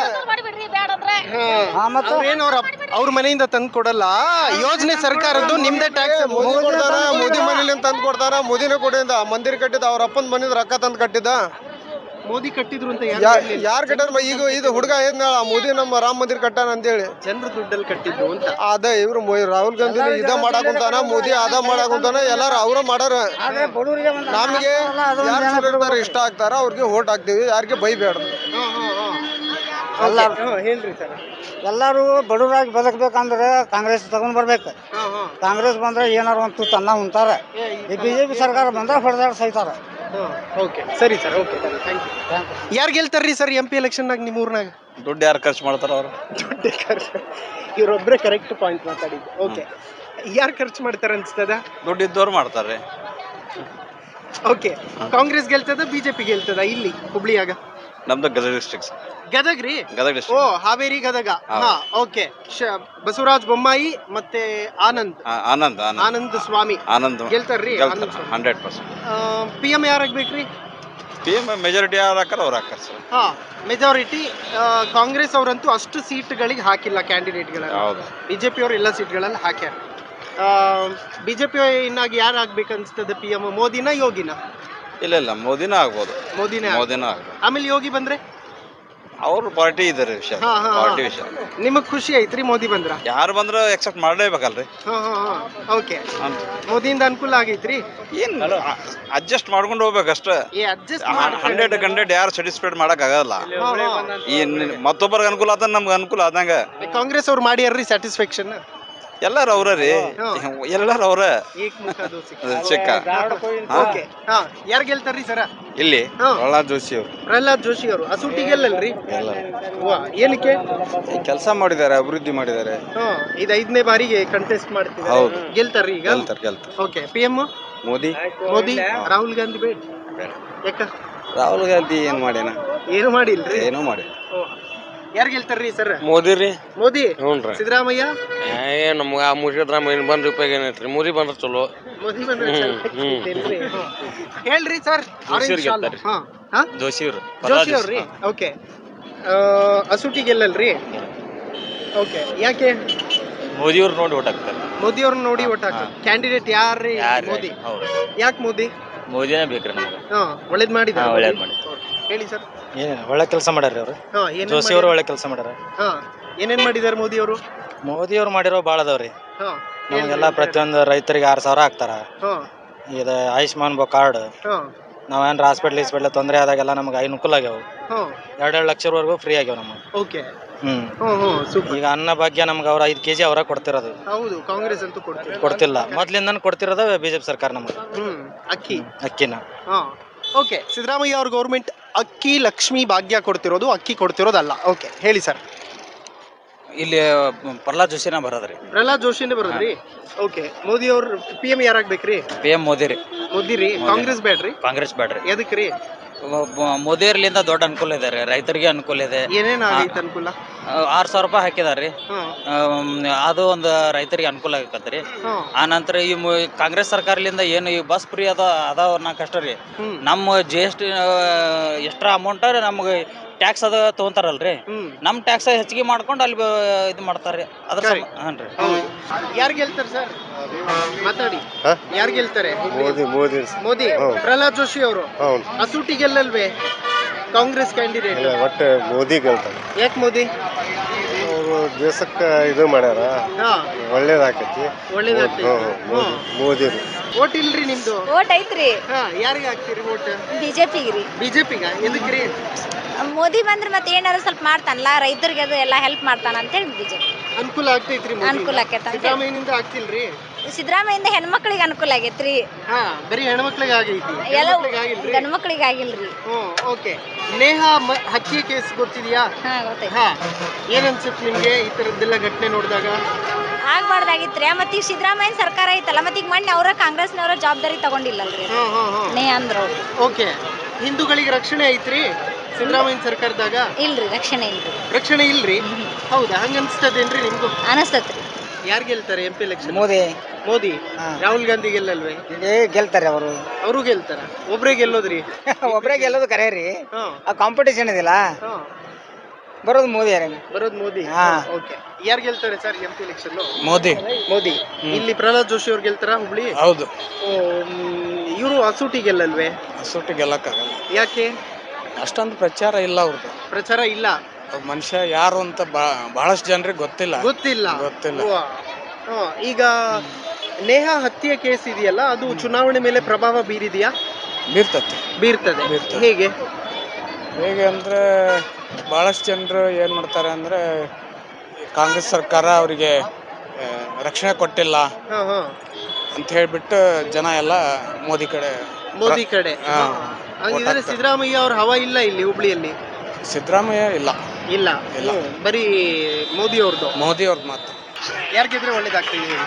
S2: ಅವ್ರ ಮನೆಯಿಂದ ತಂದು ಕೊಡಲ್ಲ. ಯೋಜನೆ ಸರ್ಕಾರದ್ದು, ನಿಮ್ದೇ ಟ್ಯಾಕ್ಸ್.
S1: ಮೋದಿ ಮನೇಲಿ ತಂದು ಕೊಡ್ತಾರ. ಮೋದಿನೇ ಕೊಡಿಂದ ಮಂದಿರ ಕಟ್ಟಿದ. ಅವ್ರ ಅಪ್ಪನ ಮನೇಲಿ ರೊಕ್ಕ ತಂದು ಕಟ್ಟಿದ್ದ.
S2: ಮೋದಿ ಕಟ್ಟಿದ್ರು ಅಂತ
S1: ಯಾರು ಕಟ್ಟಾರ? ಈಗ ಇದು ಹುಡುಗ ಏನ್ ಮೋದಿ ನಮ್ಮ ರಾಮ ಮಂದಿರ ಕಟ್ಟಾನ ಅಂತೇಳಿ
S2: ಜನರ ದುಡ್ಡಲ್ಲಿ ಕಟ್ಟಿದ್ರು ಅಂತ.
S1: ಅದ ಇವ್ರು ರಾಹುಲ್ ಗಾಂಧಿ ಇದ ಮಾಡಾಕುಂತಾನ, ಮೋದಿ ಅದ ಮಾಡಾಕುಂತಾನ. ಎಲ್ಲಾರು ಅವ್ರ ಮಾಡಾರ. ನಮ್ಗೆ ಯಾರು ಇಷ್ಟ ಆಗ್ತಾರ ಅವ್ರಿಗೆ ಓಟ್ ಹಾಕ್ತಿವಿ. ಯಾರಿಗೆ ಬೈಬೇಡ.
S2: ಹೇಳ್ರಿ ಸರ್.
S10: ಎಲ್ಲಾರು ಬಡವರಾಗಿ ಬದುಕ್ಬೇಕಂದ್ರೆ ಕಾಂಗ್ರೆಸ್ ತಗೊಂಡ್ ಬರ್ಬೇಕು. ಕಾಂಗ್ರೆಸ್ ಬಂದ್ರೆ ಏನಾರ ಒಂದು ತುತ್ತು ಅನ್ನ ಉಂತಾರ. ಈ ಬಿಜೆಪಿ ಸರ್ಕಾರ ಬಂದ್ರೆ ಹೊಡೆದಾಡ್ ಸೈತಾರ.
S2: ಓಕೆ ಸರಿ ಸರ್. Okay thank you. ಯಾರು ಗೆಲ್ತಾರ್ರಿ ಸರ್ MP ಎಲೆಕ್ಷನ್ನಾಗ ನಿಮ್ಮ ಊರ್ನಾಗ?
S1: ದುಡ್ಡು ಯಾರು ಖರ್ಚು ಮಾಡ್ತಾರ? ಅವ್ರು
S2: ದುಡ್ಡು ಖರ್ಚು. ಇವ್ರೊಬ್ರೆ ಕರೆಕ್ಟ್ ಪಾಯಿಂಟ್ ಮಾತಾಡಿದ್ದು. ಓಕೆ, ಯಾರು ಖರ್ಚು ಮಾಡ್ತಾರ ಅನ್ಸ್ತದ?
S1: ದುಡ್ಡು ಇದ್ದವ್ರು ಮಾಡ್ತಾರೆ.
S2: ಓಕೆ, ಕಾಂಗ್ರೆಸ್ ಗೆಲ್ತದ ಬಿಜೆಪಿ ಗೆಲ್ತದ ಇಲ್ಲಿ ಹುಬ್ಳಿಯಾಗ?
S1: ನಮ್ದು ಗದಗ ಡಿಸ್ಟ್ರಿಕ್ಟ್.
S2: ಗದಗ್ ರೀ?
S1: ಗದಗ
S2: ಓ, ಹಾವೇರಿ ಗದಗ. ಹಾ, ಓಕೆ. ಬಸವರಾಜ ಬೊಮ್ಮಾಯಿ ಮತ್ತೆ ಆನಂದ್ ಸ್ವಾಮಿ ಗೆಲ್ತಾರ್ರಿ?
S1: 100%.
S2: PM ಯಾರಾಗ್ಬೇಕ್ರಿ?
S1: PM ಮೆಜಾರಿಟಿ ಯಾರು ಹಾಕಾರ ಅವ್ರು ಹಾಕಾರ ಸರ್.
S2: ಹಾ, ಮೆಜಾರಿಟಿ ಕಾಂಗ್ರೆಸ್ ಅವರಂತೂ ಅಷ್ಟು ಸೀಟ್ಗಳಿಗೆ ಹಾಕಿಲ್ಲ ಕ್ಯಾಂಡಿಡೇಟ್ಗಳನ್ನ. ಬಿಜೆಪಿ ಅವರು ಎಲ್ಲ ಸೀಟ್ಗಳಲ್ಲಿ ಹಾಕ್ಯಾರ. ಬಿಜೆಪಿ ಇನ್ನಾಗಿ ಯಾರು ಆಗ್ಬೇಕು ಅನ್ಸ್ತದೆ? PM ಮೋದಿನ ಯೋಗಿನ?
S1: ಇಲ್ಲ, ಮೋದಿನ ಆಗ್ಬೋದು.
S2: ಮೋದಿನ ಆಗ್ಬೋದು. ಆಮೇಲೆ ಯೋಗಿ ಬಂದ್ರೆ
S1: ಅವ್ರ ಪಾರ್ಟಿ ಇದಾರೆ ವಿಷಯ. ಪಾರ್ಟಿ ವಿಷಯ
S2: ನಿಮಗ್ ಖುಷಿ ಐತ್ರಿ ಮೋದಿ ಬಂದ್ರ?
S1: ಯಾರು ಬಂದ್ರ ಎಕ್ಸೆಪ್ಟ್ ಮಾಡ್ಲೇಬೇಕಲ್ರಿ.
S2: ಓಕೆ, ಮೋದಿಯಿಂದ ಅನುಕೂಲ ಆಗೈತ್ರಿ?
S1: ಏನ್ ಅಡ್ಜಸ್ಟ್ ಮಾಡ್ಕೊಂಡು ಹೋಗ್ಬೇಕಷ್ಟ. 100 ಯಾರು ಸ್ಯಾಟಿಸ್ಫೈಡ್ ಮಾಡಕ್ ಆಗಲ್ಲ. ಈ ಮತ್ತೊಬ್ಬರಿಗೆ ಅನುಕೂಲ ಆದ ನಮ್ಗೆ ಅನುಕೂಲ ಆದಂಗ.
S2: ಕಾಂಗ್ರೆಸ್ ಅವ್ರು ಮಾಡ್ಯಾರ್ರಿ ಸ್ಯಾಟಿಸ್ಫ್ಯಾಕ್ಷನ್?
S1: ಎಲ್ಲಾರು ಅವ್ರ ರೀ, ಎಲ್ಲಾರು ಅವ್ರ ಚಿಕ್ಕ.
S2: ಯಾರು ಗೆಲ್ತಾರ್ರಿ ಸರ
S1: ಇಲ್ಲಿ?
S2: ಪ್ರಹ್ಲಾದ್ ಜೋಶಿ ಅವರು. ಅಸೂಟಿ ಗೆಲ್ಲಲ್ರಿ? ಏನಕ್ಕೆ?
S1: ಕೆಲಸ ಮಾಡಿದ್ದಾರೆ, ಅಭಿವೃದ್ಧಿ ಮಾಡಿದ್ದಾರೆ.
S2: ಇದು 5ನೇ ಬಾರಿಗೆ ಕಂಟೆಸ್ಟ್ ಮಾಡ್ತಿದ್ದಾರೆ. ಗೆಲ್ತಾರ್ರಿ ಈಗ? ಓಕೆ. PM
S1: ಮೋದಿ.
S2: ರಾಹುಲ್ ಗಾಂಧಿ ಬೇಡ? ಯಾಕ?
S1: ರಾಹುಲ್ ಗಾಂಧಿ ಏನ್ ಮಾಡ್ಯಾನ?
S2: ಏನು ಮಾಡಿಲ್ರಿ?
S1: ಏನೋ ಮಾಡಿ.
S2: ಯಾರು ಗೆಲ್ತಾರ್ರಿ ಸರ್?
S3: ಮೋದಿ ರೀ.
S2: ಮೋದಿ?
S3: ಹ್ಞೂನ್ರಿ.
S2: ಸಿದ್ದರಾಮಯ್ಯ?
S3: ನಮ್ಗೆ ಆ ಮುಗಿದ್ರಾಮ ಏನು ಬಂದ್ರೆ ಉಪಯೋಗ ಏನೈತ್ರಿ? ಮೋದಿ ಬಂದ್ರೆ ಚಲೋ.
S2: ಮೋದಿ ಬಂದ್ರೆ ಹೇಳ್ರಿ ಸರ್. ಜೋಶಿ ಅವ್ರಿ? ಓಕೆ. ಅಸೂಟಿ ಗೆಲ್ಲಲ್ರಿ? ಓಕೆ, ಯಾಕೆ?
S1: ಮೋದಿಯವ್ರು ನೋಡಿ ಓಟ್ ಹಾಕ್ತಾರೆ.
S2: ಮೋದಿಯವ್ರನ್ನ ನೋಡಿ ಓಟ್ ಹಾಕ್ತಾರೆ. ಕ್ಯಾಂಡಿಡೇಟ್ ಯಾರ್ರಿ? ಮೋದಿ. ಯಾಕೆ ಮೋದಿ?
S1: ಮೋದಿನೇ ಬೇಕ್ರಿ ನಮ್ಗೆ.
S2: ಒಳ್ಳೇದ್ ಮಾಡಿದ. ಹೇಳಿ ಸರ್.
S10: ಒಳ್ಳೆ ಕೆಲಸ ಮಾಡ್ಯಾರ ಅವ್ರು. ಜೋಶಿ ಅವರು ಒಳ್ಳೆ ಕೆಲಸ ಮಾಡ್ಯಾರ.
S2: ಏನೇನ್ ಮಾಡಿದಾರೆ ಮೋದಿ ಅವರು?
S10: ಮೋದಿ ಅವ್ರು ಮಾಡಿರೋ ಭಾಳ ಅದಾವ್ರಿ. ನಮಗೆಲ್ಲ ಪ್ರತಿಯೊಂದು ರೈತರಿಗೆ 6,000 ಹಾಕ್ತಾರ. ಇದು ಆಯುಷ್ಮಾನ್ ಕಾರ್ಡ್. ನಾವೇನ್ರ ಹಾಸ್ಪಿಟ್ಲ್ ತೊಂದರೆ ಆದಾಗೆಲ್ಲ ನಮ್ಗೆ ಅನುಕೂಲ ಆಗ್ಯಾವ. 2 ಲಕ್ಷವರೆಗೂ ಫ್ರೀ ಆಗ್ಯಾವ ನಮಗೆ.
S2: ಓಕೆ.
S10: ಈಗ ಅನ್ನ ಭಾಗ್ಯ ನಮ್ಗೆ ಅವ್ರ 5 kg ಅವರ ಕೊಡ್ತಿರೋದು.
S2: ಹೌದು, ಕಾಂಗ್ರೆಸ್ ಅಂತೂ
S10: ಕೊಡ್ತಿಲ್ಲ. ಮೊದ್ಲಿಂದ ಕೊಡ್ತಿರೋದು ಬಿಜೆಪಿ ಸರ್ಕಾರ ನಮಗೆ ಅಕ್ಕಿನ.
S2: ಓಕೆ, ಸಿದ್ದರಾಮಯ್ಯ ಅವ್ರ ಗೌರ್ಮೆಂಟ್ ಅಕ್ಕಿ ಲಕ್ಷ್ಮಿ ಭಾಗ್ಯ ಕೊಡ್ತಿರೋದು, ಅಕ್ಕಿ ಕೊಡ್ತಿರೋದಲ್ಲ. ಓಕೆ, ಹೇಳಿ ಸರ್.
S11: ಇಲ್ಲಿ ಪ್ರಹ್ಲಾದ್ ಜೋಶಿನ ಬರೋದ್ರಿ.
S2: ಪ್ರಹ್ಲಾದ್ ಜೋಶಿನೇ ಬರೋದ್ರಿ. ಓಕೆ, ಮೋದಿ ಅವ್ರ PM ಯಾರಾಗ್ಬೇಕ್ರಿ?
S11: PM ಮೋದಿ ರೀ.
S2: ಮೋದಿ ರೀ. ಕಾಂಗ್ರೆಸ್ ಬೇಡ್ರಿ?
S11: ಕಾಂಗ್ರೆಸ್ ಬೇಡ್ರಿ.
S2: ಎದಕ್ರಿ?
S11: ಮೋದಿ ಅವ್ರಲಿಂದ ದೊಡ್ಡ ಅನುಕೂಲ ಇದೆ ರೀ, ರೈತರಿಗೆ ಅನುಕೂಲ ಇದೆ.
S2: ಏನೇನ್ ಆಗೈತೆ ಅನುಕೂಲ?
S11: 6,000 ರೂಪಾಯಿ ಹಾಕಿದಾರ್ರಿ, ಅದು ಒಂದು ರೈತರಿಗೆ ಅನುಕೂಲ ಆಗತ್ತರಿ. ಆ ನಂತರ ಈ ಕಾಂಗ್ರೆಸ್ ಸರ್ಕಾರದಿಂದ ಏನು ಈ ಬಸ್ ಫ್ರೀ ಅದಾವ ಕಷ್ಟ ರೀ. ನಮ್ಮ GST ಎಕ್ಸ್ಟ್ರಾ ಅಮೌಂಟ್ ನಮ್ಗೆ ಟ್ಯಾಕ್ಸ್ ಅದ ತಗೊಂತಾರಲ್ರಿ, ನಮ್ ಟ್ಯಾಕ್ಸ್ ಹೆಚ್ಚಿಗೆ ಮಾಡ್ಕೊಂಡು ಅಲ್ಲಿ ಇದು ಮಾಡ್ತಾರ್ರಿ. ಅದ್ರ ಹಾನ್ ರೀ.
S2: ಯಾರು ಗೆಲ್ತಾರೆ ಸರ್? ಮಾತಾಡಿ. ಯಾರು ಗೆಲ್ತಾರೆ?
S1: ಮೋದಿ.
S2: ಮೋದಿ. ಪ್ರಹ್ಲಾದ್ ಜೋಶಿ ಅವರು ಹಸೂಟಿ ಗೆಲ್ಲಲ್ವೇ? ಕಾಂಗ್ರೆಸ್ ಕ್ಯಾಂಡಿಡೇಟ್.
S1: ಒಟ್ಟು ಮೋದಿ ಗೆಲ್ತಾರೆ.
S2: ಯಾಕೆ ಮೋದಿ?
S1: ಅವರು ದೇಶಕ್ಕೆ ಇದು ಮಾಡ್ಯಾರ, ಒಳ್ಳೇದಾಕೈತಿ.
S2: ಒಳ್ಳೇದಾಗ್ತೈತಿ.
S1: ಮೋದಿ.
S2: ಓಟ್ ಇಲ್ರಿ ನಿಮ್ದು?
S7: ಓಟ್ ಐತ್ರಿ.
S2: ಯಾರಿಗೆ ಹಾಕ್ತೀರಿ ಓಟ್?
S7: ಬಿಜೆಪಿಗೆ ರೀ.
S2: ಬಿಜೆಪಿಗ? ಎದಕ್ರಿ?
S7: ಮೋದಿ ಬಂದ್ರೆ ಮತ್ತೆ ಏನಾರ ಸ್ವಲ್ಪ ಮಾಡ್ತಾನಲ್ಲ, ರೈತರಿಗೆ ಅದು ಎಲ್ಲ ಹೆಲ್ಪ್ ಮಾಡ್ತಾನ ಅಂತೇಳಿ ಬಿಜೆಪಿ.
S2: ಅನುಕೂಲ ಆಗ್ತೈತ್ರಿ?
S7: ಅನುಕೂಲ ಆಕೈತ.
S2: ಸಿದ್ದರಾಮಯ್ಯನಿಂದ ಆಗ್ತಿಲ್ರಿ?
S7: ಸಿದ್ದರಾಮಯ್ಯಿಂದ ಹೆಣ್ಮಕ್ಳಿಗೆ ಅನುಕೂಲ ಆಗೈತ್ರಿ.
S2: ಬರೀ ಹೆಣ್ಮಕ್ಳಿಗೆ ಆಗೈತಿ,
S7: ಎಲ್ಲ
S2: ಆಗಿಲ್ರಿ?
S7: ಗಂಡು ಮಕ್ಳಿಗೆ ಆಗಿಲ್ರಿ.
S2: ಓಕೆ. ನೇಹಾ ಹತ್ಯೆ ಕೇಸ್ ಗೊತ್ತಿದ್ಯಾ?
S7: ಗೊತ್ತೈತಿ.
S2: ಏನ್ ಅನ್ಸುತ್ತೆ ನಿಮ್ಗೆ ಈ ತರದ್ದೆಲ್ಲ ಘಟನೆ ನೋಡಿದಾಗ?
S7: ಆಗ್ಬಾರ್ದಾಗಿತ್ರಿ. ಮತ್ತೆ ಈಗ ಸಿದ್ದರಾಮಯ್ಯ ಸರ್ಕಾರ ಐತಲ್ಲ, ಮತ್ತೆ ಈಗ ಮೊನ್ನೆ ಅವರ ಕಾಂಗ್ರೆಸ್ನವರ ಜವಾಬ್ದಾರಿ ತಗೊಂಡಿಲ್ಲಲ್ರಿ ನೇಹಾ ಅಂದ್ರು.
S2: ಓಕೆ. ಹಿಂದೂಗಳಿಗೆ ರಕ್ಷಣೆ ಐತ್ರಿ ಸಿದ್ದರಾಮಯ್ಯ ಸರ್ಕಾರದಾಗ?
S7: ಇಲ್ರಿ, ರಕ್ಷಣೆ ಇಲ್ರಿ.
S2: ರಕ್ಷಣೆ ಇಲ್ರಿ? ಹೌದಾ? ಹಂಗ ಅನ್ಸ್ತದೇನ್ರಿ ನಿಮ್ಗೂ?
S7: ಅನಸ್ತತ್ರಿ.
S2: ಯಾರು ಗೆಲ್ತಾರೆ MP ಎಲೆಕ್ಷನ್?
S10: ಮೋದಿ.
S2: ಮೋದಿ. ರಾಹುಲ್ ಗಾಂಧಿ ಗೆಲ್ಲಲ್ವೇ?
S10: ಗೆಲ್ತಾರೆ ಅವರು.
S2: ಅವರು ಗೆಲ್ತಾರ? ಒಬ್ರೇ ಗೆಲ್ಲೋದ್ರಿ?
S10: ಒಬ್ರೇ ಗೆಲ್ಲೋದು ಕರೆ ರೀ. ಕಾಂಪಿಟೇಷನ್ ಇದಿಲ್ಲ, ಬರೋದು ಮೋದಿ.
S2: ಬರೋದು ಮೋದಿ. ಓಕೆ. ಯಾರು ಗೆಲ್ತಾರೆ sir MP election?
S11: Modi.
S2: Modi. ಇಲ್ಲಿ ಪ್ರಹ್ಲಾದ್ ಜೋಶಿ ಅವ್ರು ಗೆಲ್ತಾರ ಹುಬ್ಳಿ?
S11: ಹೌದು.
S2: ಇವರು ಹಸೂಟಿ ಗೆಲ್ಲಲ್ವೇ?
S11: ಸುಟ್ಟು ಗೆಲ್ಲಕ್ಕಾಗಲ್ಲ.
S2: ಯಾಕೆ?
S11: ಅಷ್ಟೊಂದು ಪ್ರಚಾರ ಇಲ್ಲ ಅವ್ರದ್ದು.
S2: ಪ್ರಚಾರ ಇಲ್ಲ?
S11: ಮನುಷ್ಯ ಯಾರು ಅಂತ ಬಹಳಷ್ಟು ಜನರಿಗೆ ಗೊತ್ತಿಲ್ಲ.
S2: ಈಗ ನೇಹಾ ಹತ್ಯೆ ಕೇಸ್ ಇದೆಯಲ್ಲ, ಅದು ಚುನಾವಣೆ ಮೇಲೆ ಪ್ರಭಾವ ಬೀರಿದೆಯಾ? ಬೀರ್ತದೆ. ಹೇಗೆ
S11: ಅಂದ್ರೆ ಬಹಳಷ್ಟು ಜನರು ಏನ್ ಮಾಡ್ತಾರೆ ಅಂದ್ರೆ, ಕಾಂಗ್ರೆಸ್ ಸರ್ಕಾರ ಅವರಿಗೆ ರಕ್ಷಣೆ ಕೊಟ್ಟಿಲ್ಲ ಅಂತ ಹೇಳ್ಬಿಟ್ಟು ಜನ ಎಲ್ಲ ಮೋದಿ ಕಡೆ.
S2: ಹಂಗಿದ್ರೆ ಸಿದ್ದರಾಮಯ್ಯ ಅವ್ರ ಹವಾ ಇಲ್ಲ ಇಲ್ಲಿ ಹುಬ್ಳಿಯಲ್ಲಿ?
S11: ಸಿದ್ದರಾಮಯ್ಯ ಇಲ್ಲ.
S2: ಬರೀ ಮೋದಿ ಅವ್ರದ್ದು ಮಾತ್ರ. ಯಾರು ಗೆದ್ರೆ ಒಳ್ಳೇದಾಗ್ತದೆ ಹೇಳಿ?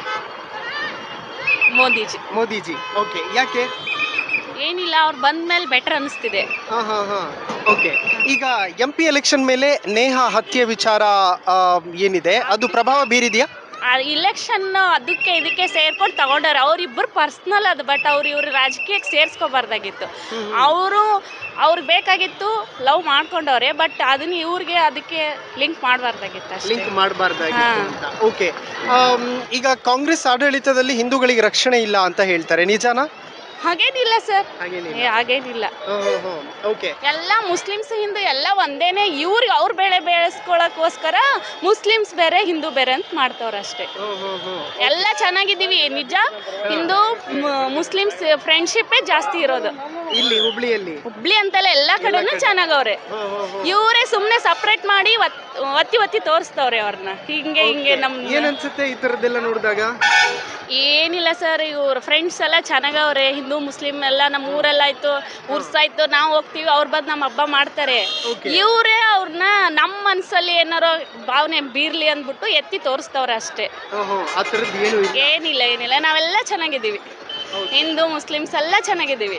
S2: ಮೋದಿಜಿ. ಓಕೆ. ಯಾಕೆ?
S5: ಏನಿಲ್ಲ, ಅವ್ರು ಬಂದ್ಮೇಲೆ ಬೆಟರ್ ಅನಿಸ್ತಿದೆ.
S2: ಓಕೆ. ಈಗ MP ಎಲೆಕ್ಷನ್ ಮೇಲೆ ನೇಹಾ ಹತ್ಯೆ ವಿಚಾರ ಏನಿದೆ, ಅದು ಪ್ರಭಾವ ಬೀರಿದೆಯಾ?
S5: ಇಲೆಕ್ಷನ್ ಅದಕ್ಕೆ ಇದಕ್ಕೆ ಸೇರ್ಕೊಂಡು ತಗೊಂಡಾರೆ. ಅವ್ರಿಬ್ಬರು ಪರ್ಸ್ನಲ್ ಅದು, ಬಟ್ ಇವ್ರು ರಾಜಕೀಯಕ್ಕೆ ಸೇರಿಸ್ಕೋಬಾರ್ದಾಗಿತ್ತು. ಅವ್ರಿಗೆ ಬೇಕಾಗಿತ್ತು, ಲವ್ ಮಾಡ್ಕೊಂಡವ್ರೆ, ಬಟ್ ಅದನ್ನ ಇವ್ರಿಗೆ ಅದಕ್ಕೆ ಲಿಂಕ್ ಮಾಡಬಾರ್ದಾಗಿತ್ತು.
S2: ಓಕೆ. ಈಗ ಕಾಂಗ್ರೆಸ್ ಆಡಳಿತದಲ್ಲಿ ಹಿಂದೂಗಳಿಗೆ ರಕ್ಷಣೆ ಇಲ್ಲ ಅಂತ ಹೇಳ್ತಾರೆ, ನಿಜಾನಾ?
S5: ಹಾಗೇನಿಲ್ಲ ಸರ್, ಹಾಗೇನಿಲ್ಲ. ಎಲ್ಲ ಮುಸ್ಲಿಮ್ಸ್ ಹಿಂದೂ ಎಲ್ಲ ಒಂದೇನೆ. ಇವ್ರಿಗೆ ಅವ್ರ ಬೆಳೆ ಬೆಳೆಸ್ಕೊಳಕ್ಕೋಸ್ಕರ ಮುಸ್ಲಿಮ್ಸ್ ಬೇರೆ ಹಿಂದೂ ಬೇರೆ ಅಂತ ಮಾಡ್ತವ್ರ ಅಷ್ಟೇ. ಎಲ್ಲ ಚೆನ್ನಾಗಿದ್ದೀವಿ ನಿಜ. ಹಿಂದೂ ಮುಸ್ಲಿಮ್ಸ್ ಫ್ರೆಂಡ್ಶಿಪ್ಪೇ ಜಾಸ್ತಿ ಇರೋದು
S2: ಇಲ್ಲಿ ಹುಬ್ಳಿ
S5: ಅಂತಲ್ಲ, ಎಲ್ಲ ಕಡೆನೂ ಚೆನ್ನಾಗವ್ರೆ. ಇವರೇ ಸುಮ್ನೆ ಸಪ್ರೇಟ್ ಮಾಡಿ ಒತ್ತಿ ತೋರಿಸ್ತವ್ರೆ ಅವ್ರನ್ನ. ಹಿಂಗೆ ನಮ್
S2: ಏನ್ ಅನ್ಸುತ್ತೆ ಈ ತರದ್ದೆಲ್ಲ ನೋಡಿದಾಗ?
S5: ಏನಿಲ್ಲ ಸರ್, ಇವ್ರ ಫ್ರೆಂಡ್ಸ್ ಎಲ್ಲ ಚೆನ್ನಾಗವ್ರೆ. ಹಿಂದೂ ಮುಸ್ಲಿಂ ಎಲ್ಲ ನಮ್ಮ ಊರೆಲ್ಲ ಆಯ್ತು, ಉರ್ಸಾಯ್ತು, ನಾವು ಹೋಗ್ತೀವಿ, ಅವ್ರ ಬಂದು ನಮ್ಮ ಹಬ್ಬ ಮಾಡ್ತಾರೆ. ಇವರೇ ಅವ್ರನ್ನ ನಮ್ಮ ಮನ್ಸಲ್ಲಿ ಏನಾರೋ ಭಾವನೆ ಬೀರ್ಲಿ ಅಂದ್ಬಿಟ್ಟು ಎತ್ತಿ ತೋರಿಸ್ತವ್ರೆ ಅಷ್ಟೇ. ಏನಿಲ್ಲ, ನಾವೆಲ್ಲ ಚೆನ್ನಾಗಿದ್ದೀವಿ. ಹಿಂದೂ ಮುಸ್ಲಿಮ್ಸ್ ಎಲ್ಲ ಚೆನ್ನಾಗಿದ್ದೀವಿ.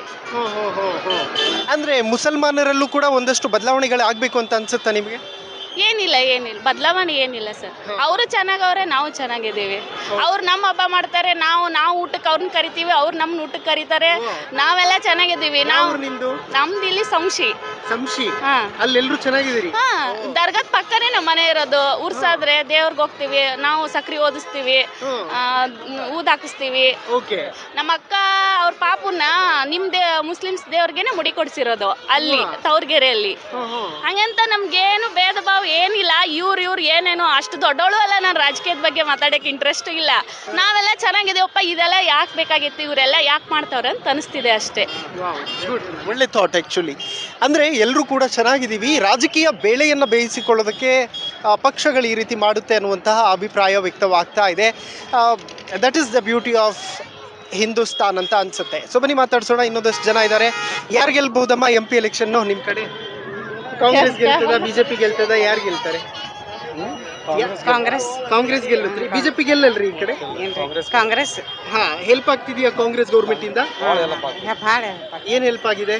S2: ಅಂದ್ರೆ ಮುಸಲ್ಮಾನರಲ್ಲೂ ಕೂಡ ಒಂದಷ್ಟು ಬದಲಾವಣೆಗಳು ಆಗ್ಬೇಕು ಅಂತ ಅನ್ಸುತ್ತಾ ನಿಮಗೆ?
S5: ಏನಿಲ್ಲ ಬದಲಾವಣೆ ಏನಿಲ್ಲ ಸರ್. ಅವರು ಚೆನ್ನಾಗವ್ರೆ, ನಾವು ಚೆನ್ನಾಗಿದ್ದೀವಿ. ಅವ್ರು ನಮ್ಮ ಹಬ್ಬ ಮಾಡ್ತಾರೆ, ನಾವು ಊಟಕ್ಕೆ ಅವ್ರನ್ನ ಕರಿತೀವಿ, ಅವ್ರು ನಮ್ನ ಊಟಕ್ಕೆ ಕರೀತಾರೆ, ನಾವೆಲ್ಲ ಚೆನ್ನಾಗಿದ್ದೀವಿ. ನಮ್ದು ಇಲ್ಲಿ ಸಂಶಿ.
S2: ಅಲ್ಲೆಲ್ಲರೂ ಚೆನ್ನಾಗಿದ್ದೀರಿ?
S5: ದರ್ಗಾದ ಪಕ್ಕನೇ ನಮ್ಮ ಮನೆ ಇರೋದು. ಉರ್ಸಾದ್ರೆ ದೇವ್ರಿಗೆ ಹೋಗ್ತೀವಿ, ನಾವು ಸಕ್ರಿ ಓದಿಸ್ತೀವಿ, ಊದ್ ಹಾಕಿಸ್ತೀವಿ. ನಮ್ಮ ಅಕ್ಕ ಅವ್ರ ಪಾಪುನ ಮುಸ್ಲಿಮ್ಸ್ ದೇವ್ರಿಗೆನೆ ಮುಡಿ ಕೊಡ್ಸಿರೋದು ಅಲ್ಲಿ ತವ್ರಗೆರೆಯಲ್ಲಿ. ಹಂಗಂತ ನಮ್ಗೇನು ಭೇದ ಭಾವ ಏನಿಲ್ಲ. ಇವ್ರು ಏನೇನು ಅಷ್ಟು ದೊಡ್ಡವಳು ಅಲ್ಲ, ನಾನು ರಾಜಕೀಯದ ಬಗ್ಗೆ ಮಾತಾಡಕ್ಕೆ ಇಂಟ್ರೆಸ್ಟ್ ಇಲ್ಲ. ನಾವೆಲ್ಲ ಚೆನ್ನಾಗಿದ್ದೀವಪ್ಪ, ಇದೆಲ್ಲ ಯಾಕೆ ಬೇಕಾಗಿತ್ತು, ಇವರೆಲ್ಲ ಯಾಕೆ ಮಾಡ್ತಾವ್ರೆ ಅಂತ ಅನಿಸ್ತಿದೆ ಅಷ್ಟೇ.
S2: ಒಳ್ಳೆ ಥಾಟ್ ಆ್ಯಕ್ಚುಲಿ. ಅಂದರೆ ಎಲ್ಲರೂ ಕೂಡ ಚೆನ್ನಾಗಿದ್ದೀವಿ, ರಾಜಕೀಯ ಬೇಳೆಯನ್ನು ಬೇಯಿಸಿಕೊಳ್ಳೋದಕ್ಕೆ ಪಕ್ಷಗಳು ಈ ರೀತಿ ಮಾಡುತ್ತೆ ಅನ್ನುವಂತಹ ಅಭಿಪ್ರಾಯ ವ್ಯಕ್ತವಾಗ್ತಾ ಇದೆ. That is the beauty of Hindustan ಅಂತ ಅನ್ಸುತ್ತೆ. ಸೊ ಬನ್ನಿ ಮಾತಾಡ್ಸೋಣ, ಇನ್ನೊಂದಷ್ಟು ಜನ ಇದ್ದಾರೆ. ಯಾರು ಗೆಲ್ಬಹುದಮ್ಮ MP ಎಲೆಕ್ಷನ್ನು ನಿಮ್ಮ ಕಡೆ? ಕಾಂಗ್ರೆಸ್ ಗೆಲ್ತದ, ಬಿಜೆಪಿ ಗೆಲ್ತದ, ಯಾರು ಗೆಲ್ತಾರೆ? ಕಾಂಗ್ರೆಸ್ ಕಾಂಗ್ರೆಸ್ ಗೆಲ್ಲತ್ರಿ, ಬಿಜೆಪಿ ಗೆಲ್ಲಲ್ರಿ ಈ ಕಡೆ?
S12: ಕಾಂಗ್ರೆಸ್
S2: ಹಾ, ಹೆಲ್ಪ್ ಆಗ್ತಿದ್ಯಾ ಕಾಂಗ್ರೆಸ್ ಗೌರ್ಮೆಂಟ್ ಇಂದ? ಏನ್ ಹೆಲ್ಪ್ ಆಗಿದೆ?